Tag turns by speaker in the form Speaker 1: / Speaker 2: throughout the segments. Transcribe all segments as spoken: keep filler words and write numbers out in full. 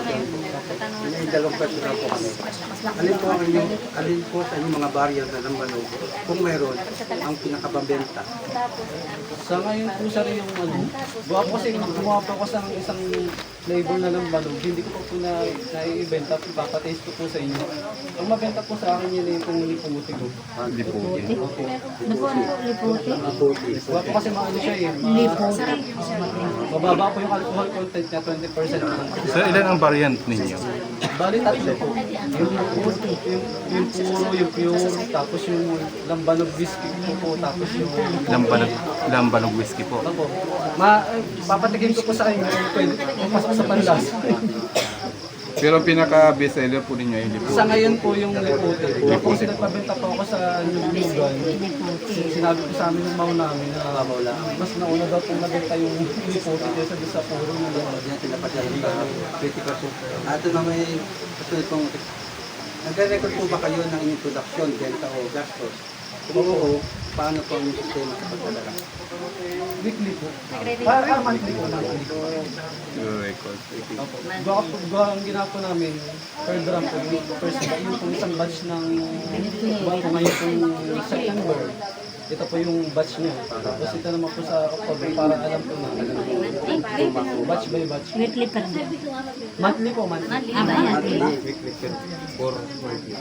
Speaker 1: May dalawang question na po kami. Alin po ang inyong, alin po sa inyong mga barrier na ng manok, kung mayroon, ang pinakababenta?
Speaker 2: Sa ngayon po sir yung ano, gawa po kasi gumawa po ako sa isang flavor na ng balog, hindi ko po po na nai-ibenta, papataste ko po sa inyo. Ang mabenta po sa akin yun yung pong liputi ko.
Speaker 1: Ah, liputi.
Speaker 2: Opo.
Speaker 3: Ano po ang liputi?
Speaker 1: Liputi.
Speaker 2: Gawa po kasi maano siya eh, ma-
Speaker 3: Liputi.
Speaker 2: mababa po yung alcohol content niya, twenty percent lang.
Speaker 4: Sir, ilan ang variant ninyo?
Speaker 2: Bali tatlo po. Yung liputi, yung, yung puro, yung pure, tapos yung lambanog whiskey po po, tapos yung...
Speaker 4: Lambanog, lambanog whiskey po.
Speaker 2: Opo. Ma, eh, papatikin ko po sa inyo, pwede pasok sa panlas.
Speaker 4: Pero ang pinaka-best seller po ninyo ay lipo.
Speaker 2: Sa ngayon po yung liputi. Kung kasi nagpabenta po ako sa New Lugan, sinabi ko sa amin ng mau namin na mas nauna daw pong nabenta yung liputi kaysa doon sa puro na lang.
Speaker 1: Yan sila pa dyan sa twenty percent. Ah, ito na may kasunod pong, nagre-record po ba kayo ng inyong production, benta o gastos? Kung oo, paano po ang inyong sistema sa pagdadala?
Speaker 2: Weekly po. Ah, ah, monthly po. Monthly po.
Speaker 4: Your record.
Speaker 2: Opo. Gawa po, gawa ang ginawa po namin, per drum po, yung first yung pong isang batch ng gawa po ngayon pong September. Ito po yung batch niya. Tapos ito naman po sa October para alam po na. Batch by batch.
Speaker 3: Weekly pa rin.
Speaker 2: Monthly po, monthly.
Speaker 3: Ah,
Speaker 1: Monthly,
Speaker 3: monthly.
Speaker 1: weekly, for monthly.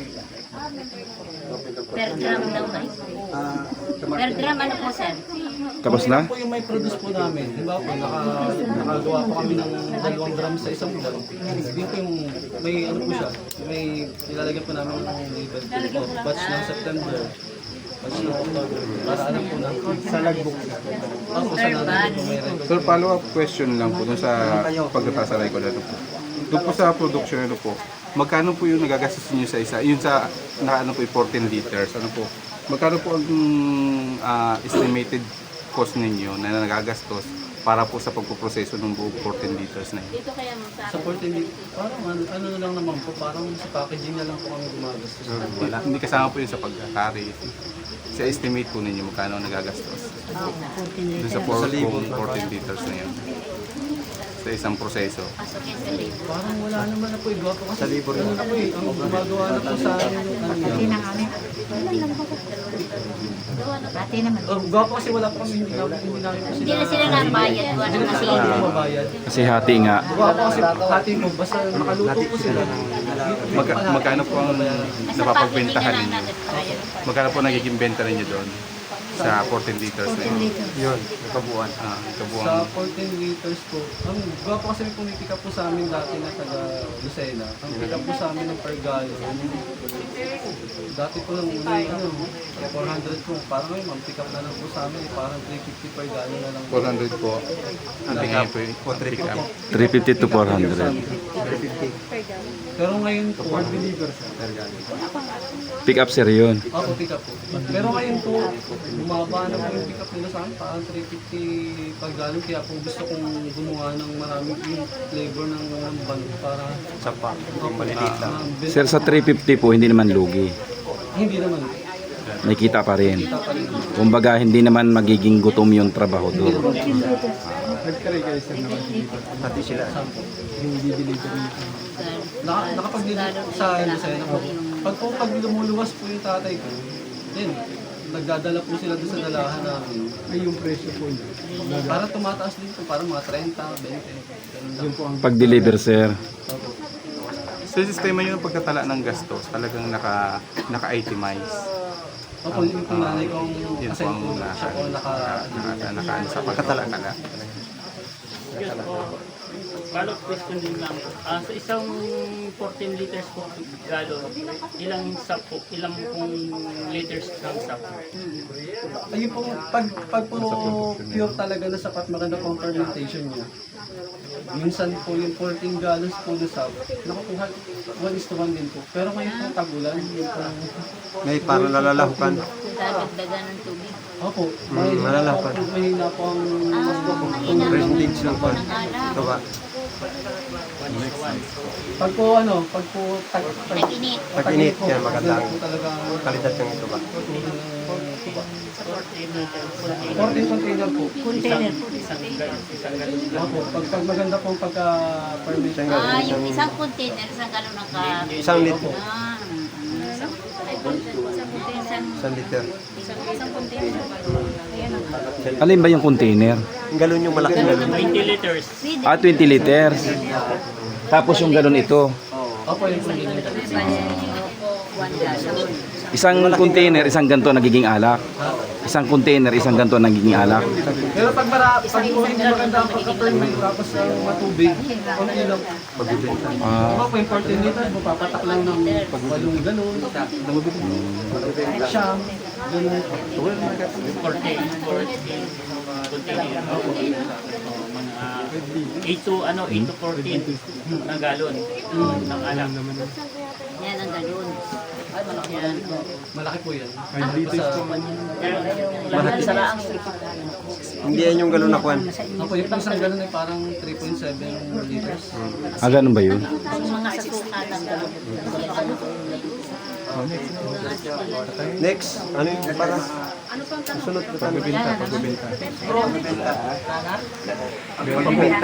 Speaker 3: Per gram daw na.
Speaker 1: Ah, sa
Speaker 3: Per
Speaker 1: market.
Speaker 3: gram ano po sir?
Speaker 4: Tapos na?
Speaker 2: Ito po yung may produce po namin. Di ba po, naka, nakagawa po kami ng dalawang gram sa isang buwan. Yun po yung, may ano po siya, may nilalagyan po namin ng label po. Batch ng September. Batch ng October. Para alam po na. Sa logbook. Ako sa natin po may record.
Speaker 4: Sir, follow-up question lang po dun sa pagtatasa record na ito po. Doon po sa production na ito po, magkano po yung nagagastos niyo sa isa? Yun sa, na ano po, fourteen liters, ano po? Magkano po ang ah, estimated cost ninyo na nagagastos para po sa pagpuproseso ng buong fourteen liters na yun?
Speaker 2: Sa fourteen liters, parang ano, ano na lang naman po, parang sa packaging na lang po kami gumagastos.
Speaker 4: Wala, hindi kasama po yun sa pagkakari. Sa estimate po ninyo magkano ang nagagastos?
Speaker 3: Oh, fourteen
Speaker 4: Doon sa
Speaker 3: liters.
Speaker 4: four- kung fourteen liters na yun. Sa isang proseso.
Speaker 2: Parang wala naman na po, iba po kasi ano na po eh, ang gumagawa na po sa amin yung ano
Speaker 3: Pati
Speaker 2: yun.
Speaker 3: na kami. Pati naman.
Speaker 2: Oh, gawa po kasi wala po kami, hindi namin hindi namin po sila.
Speaker 3: Hindi na sila nabayad. Wala
Speaker 2: Hindi na
Speaker 3: kasi.
Speaker 2: sila mababayad.
Speaker 5: Kasi hati nga.
Speaker 2: Gawa po kasi hati mo, basta makaluto po sila.
Speaker 4: Magka, magkano po ang napapagbentahan ninyo? Magkano po nagiging benta ninyo doon? Sa fourteen liters na
Speaker 3: fourteen
Speaker 4: yun?
Speaker 3: liters.
Speaker 1: Yun, kabuuan.
Speaker 4: Ah,
Speaker 2: Sa
Speaker 4: kabuang.
Speaker 2: fourteen liters po, ang gawa po kasi may pumipick up po sa amin dati na taga Lucena. Ang pick up po sa amin ng per gallon. Dati po lang una yung ano, four hundred po. Parang ngayon, ang pick up na lang po sa amin, parang three fifty per gallon na lang.
Speaker 4: four hundred po. Ang tingin po yung pick up.
Speaker 5: three fifty to four hundred.
Speaker 1: three fifty.
Speaker 2: Pero ngayon po,
Speaker 5: Pick up sir yun.
Speaker 2: ako pick up po. Pero ngayon po, bumaba na po yung pick up nila sa amin, parang three fifty per gallon. Kaya po gusto kong gumawa ng maraming yung flavor ng ng band para
Speaker 4: Sa pa.
Speaker 2: yung
Speaker 4: maliliit lang.
Speaker 5: Sir, sa three fifty po, hindi naman lugi.
Speaker 2: Hindi naman.
Speaker 5: May kita pa rin.
Speaker 2: Kita pa rin.
Speaker 5: Kumbaga, hindi naman magiging gutom yung trabaho doon.
Speaker 1: Pati sila.
Speaker 2: Naka, nakapag-deliver sa Lucena po. Pag po pag lumuluwas po yung tatay ko, yun, nagdadala po sila doon sa dalahan namin. Ay yung presyo po yun. Para tumataas din po, parang mga thirty, twenty. Yun po ang
Speaker 5: Pag-deliver sir,
Speaker 4: Sa sistema yun ng pagtatala ng gastos, talagang naka, naka-itemize.
Speaker 2: Opo, yung po nanay ko ang
Speaker 4: Yun po
Speaker 2: assign
Speaker 4: ang
Speaker 2: po
Speaker 4: naka,
Speaker 2: siya po naka...
Speaker 4: naka, naka, naka, sa pagkatala-tala.
Speaker 6: Follow-up question din lang. Ah, sa isang fourteen liters po galo, ilang sap po, ilang pong liters ng sap?
Speaker 2: Ayun po, pag, pag po pure talaga na sapat maganda pong fermentation niya. Minsan po yung fourteen gallons po na sap, nakukuha one is to one din po. Pero ngayon po tagulan, yun po.
Speaker 1: May para lalalahukan.
Speaker 3: Dadagdagan ng tubig.
Speaker 2: Opo,
Speaker 1: Mm,
Speaker 2: mahina
Speaker 1: malala
Speaker 2: po,
Speaker 1: pa.
Speaker 2: ang- mahina po ang
Speaker 3: Ah, mahina po.
Speaker 1: Percentage ng pan.
Speaker 3: Ang alak.
Speaker 1: Ito ba?
Speaker 2: Pag po ano, pag po tag, tag,
Speaker 3: Tag-init.
Speaker 7: Pag-init,
Speaker 2: po,
Speaker 7: yan maganda
Speaker 2: ganun
Speaker 7: ang
Speaker 2: po talaga
Speaker 7: kalidad ng ito ba?
Speaker 2: fourteen container po.
Speaker 3: Container.
Speaker 2: Opo, pag, pag maganda po pagka permission.
Speaker 3: Ah, yung isang container, isang galon ng ka...
Speaker 7: Isang litro.
Speaker 3: Ah, mm, isang isang
Speaker 7: Isang liter.
Speaker 5: Alin ba yung container?
Speaker 7: Ang galon yung malaking galon.
Speaker 6: twenty liters.
Speaker 5: Ah, twenty liters. Tapos yung galon ito.
Speaker 2: Opo, yung container.
Speaker 3: one gallon.
Speaker 5: Isang container, isang ganto nagiging alak. Isang container, isang ganto nagiging alak.
Speaker 2: Pero pag mara, pag po hindi maganda ang pagka-permit tapos ang matubig, konti lang.
Speaker 5: Ah,
Speaker 2: Diba po yung fourteen liters, mapapatak lang ng walong galon, siyam, ganun.
Speaker 6: fourteen, fourteen container. Mga eight to ano, eight to fourteen na galon ng alam.
Speaker 3: Yan ang galon. Yan.
Speaker 2: Malaki po yan.
Speaker 7: Hindi yan yung galon na kwan.
Speaker 2: Opo, yung isang galon ay parang three point seven liters.
Speaker 5: ah ganun ba yun?
Speaker 3: Yung mga sasukat ang galon.
Speaker 7: Next, ano yung para? Sunod na tayo.
Speaker 3: Yan na naman.